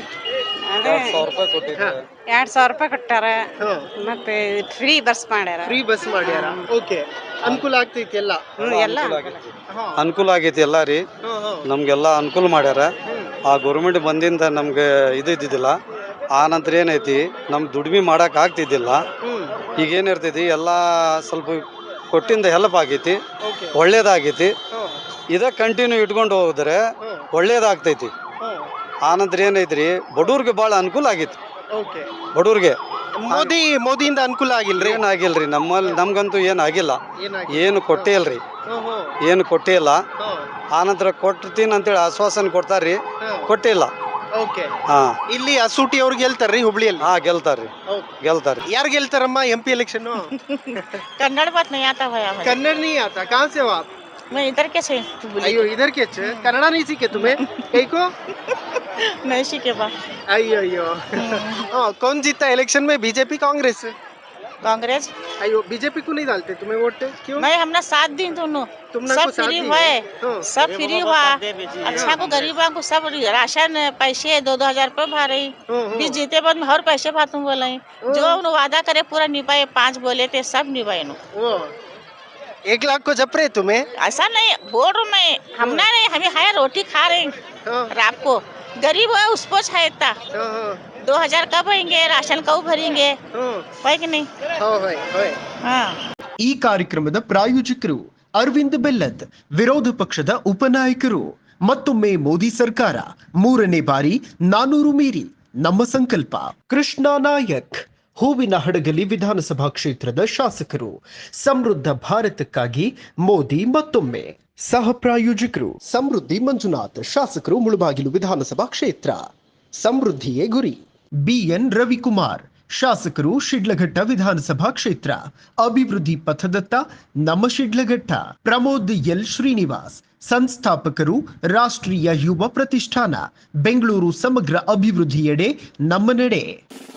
S12: 2,000 ರೂಪಾಯಿ ಕೊಟ್ಟಾರ, ಮತ್ತೆ ಫ್ರೀ ಬಸ್ ಮಾಡ್ಯಾರ.
S2: ಫ್ರೀ ಬಸ್ ಮಾಡ್ಯಾರ. ಓಕೆ, ಅನುಕೂಲ ಆಗ್ತೈತಿ ಎಲ್ಲ?
S12: ಎಲ್ಲ
S13: ಅನುಕೂಲ ಆಗೈತಿ ಎಲ್ಲ ರೀ, ನಮ್ಗೆಲ್ಲ ಅನುಕೂಲ ಮಾಡ್ಯಾರ. ಆ ಗೌರ್ಮೆಂಟ್ ಬಂದಿಂದ ನಮ್ಗೆ ಇದ್ದಿದ್ದಿಲ್ಲ. ಆ ನಂತರ ಏನೈತಿ, ನಮ್ಗೆ ದುಡಿಮೆ ಮಾಡಕ್ ಆಗ್ತಿದ್ದಿಲ್ಲ. ಈಗ ಏನಿರ್ತೈತಿ ಎಲ್ಲ ಸ್ವಲ್ಪ ಕೊಟ್ಟಿಂದ ಹೆಲ್ಪ್ ಆಗೈತಿ, ಒಳ್ಳೇದಾಗೈತಿ. ಇದ ಕಂಟಿನ್ಯೂ ಇಟ್ಕೊಂಡು ಹೋದ್ರೆ ಒಳ್ಳೇದಾಗ್ತೈತಿ. ಆ ನಂತರ ಏನೈತ್ರಿ, ಬಡವ್ರಿಗೆ ಭಾಳ ಅನುಕೂಲ ಆಗೈತಿ. ಬಡವ್ರಿಗೆ
S2: ಮೋದಿಯಿಂದ ಅನುಕೂಲ ಆಗಿಲ್ರಿ?
S13: ಏನಾಗಿಲ್ರಿ, ನಮ್ಗಂತೂ ಏನಾಗಿಲ್ಲ, ಏನು ಕೊಟ್ಟೇ ಇಲ್ರಿ, ಏನು ಕೊಟ್ಟೇ ಇಲ್ಲ. ಆನಂತರ ಕೊಡ್ತೀನಿ ಅಂತೇಳಿ ಆಶ್ವಾಸನೆ ಕೊಡ್ತಾರ್ರಿ, ಕೊಟ್ಟೇ ಇಲ್ಲ.
S2: ಹಾ, ಇಲ್ಲಿ ಅಸೂಟಿ ಅವ್ರು ಗೆಲ್ತಾರ್ರಿ ಹುಬ್ಳಿಯಲ್ಲಿ?
S13: ಹಾ, ಗೆಲ್ತಾರ್ರಿ.
S2: ಯಾರು ಗೆಲ್ತಾರಮ್ಮ MP इलेक्शन?
S12: कन्नड़ बात नहीं आता है हमें।
S2: कन्नड़ नहीं आता? कहाँ से हो आप?
S12: मैं इधर के से।
S2: अयो, इधर के छे? कन्नड़ा नहीं सीखे तुम्हें? कहीं को
S12: नहीं सीखे बा।
S2: अयो अयो। हाँ, कौन जीता इलेक्शन में, बीजेपी कांग्रेस?
S12: कांग्रेस।
S2: अयो, बीजेपी को नहीं डालते तुम्हें वोट? क्यों?
S12: नहीं, हमने 7 दिन दोनों सब फ्री हुए, सब फ्री हुआ। अच्छा को गरीबों को सब राशन पैसे 2-2 हजार रुपए भर रही। बीच जीते बाद में हर पैसे भातू बोले, जो उन्होंने वादा करे पूरा निभाए। 5 बोले थे, सब निभाए।
S2: 1 लाख को जप रहे तुम्हें?
S12: ऐसा नहीं बोल रहा मैं, हमने नहीं, हमें है रोटी खा रहे रात को। गरीब है उसको छायता 2000 कब भरेंगे, राशन कब भरेंगे, है कि नहीं? हाँ।
S2: ಈ ಕಾರ್ಯಕ್ರಮದ ಪ್ರಾಯೋಜಕರು ಅರವಿಂದ್ ಬೆಲ್ಲದ್, ವಿರೋಧ ಪಕ್ಷದ ಉಪನಾಯಕರು. ಮತ್ತೊಮ್ಮೆ ಮೋದಿ ಸರ್ಕಾರ, 3ನೇ ಬಾರಿ 400 ಮೀರಿ ನಮ್ಮ ಸಂಕಲ್ಪ. ಕೃಷ್ಣ ನಾಯಕ್, ಹೂವಿನ ಹಡಗಲಿ ವಿಧಾನಸಭಾ ಕ್ಷೇತ್ರದ ಶಾಸಕರು. ಸಮೃದ್ಧ ಭಾರತಕ್ಕಾಗಿ ಮೋದಿ ಮತ್ತೊಮ್ಮೆ. ಸಹ ಪ್ರಾಯೋಜಕರು ಸಮೃದ್ಧಿ ಮಂಜುನಾಥ್, ಶಾಸಕರು ಮುಳಬಾಗಿಲು ವಿಧಾನಸಭಾ ಕ್ಷೇತ್ರ. ಸಮೃದ್ಧಿಯೇ ಗುರಿ. BN ರವಿಕುಮಾರ್, ಶಾಸಕರು ಶಿಡ್ಲಘಟ್ಟ ವಿಧಾನಸಭಾ ಕ್ಷೇತ್ರ. ಅಭಿವೃದ್ಧಿ ಪಥದತ್ತ ನಮ್ಮ ಶಿಡ್ಲಘಟ್ಟ. ಪ್ರಮೋದ್ ಎಲ್ ಶ್ರೀನಿವಾಸ್, ಸಂಸ್ಥಾಪಕರು ರಾಷ್ಟ್ರೀಯ ಯುವ ಪ್ರತಿಷ್ಠಾನ. ಬೆಂಗಳೂರು ಸಮಗ್ರ ಅಭಿವೃದ್ಧಿಯೆಡೆ ನಮ್ಮ ನಡೆ.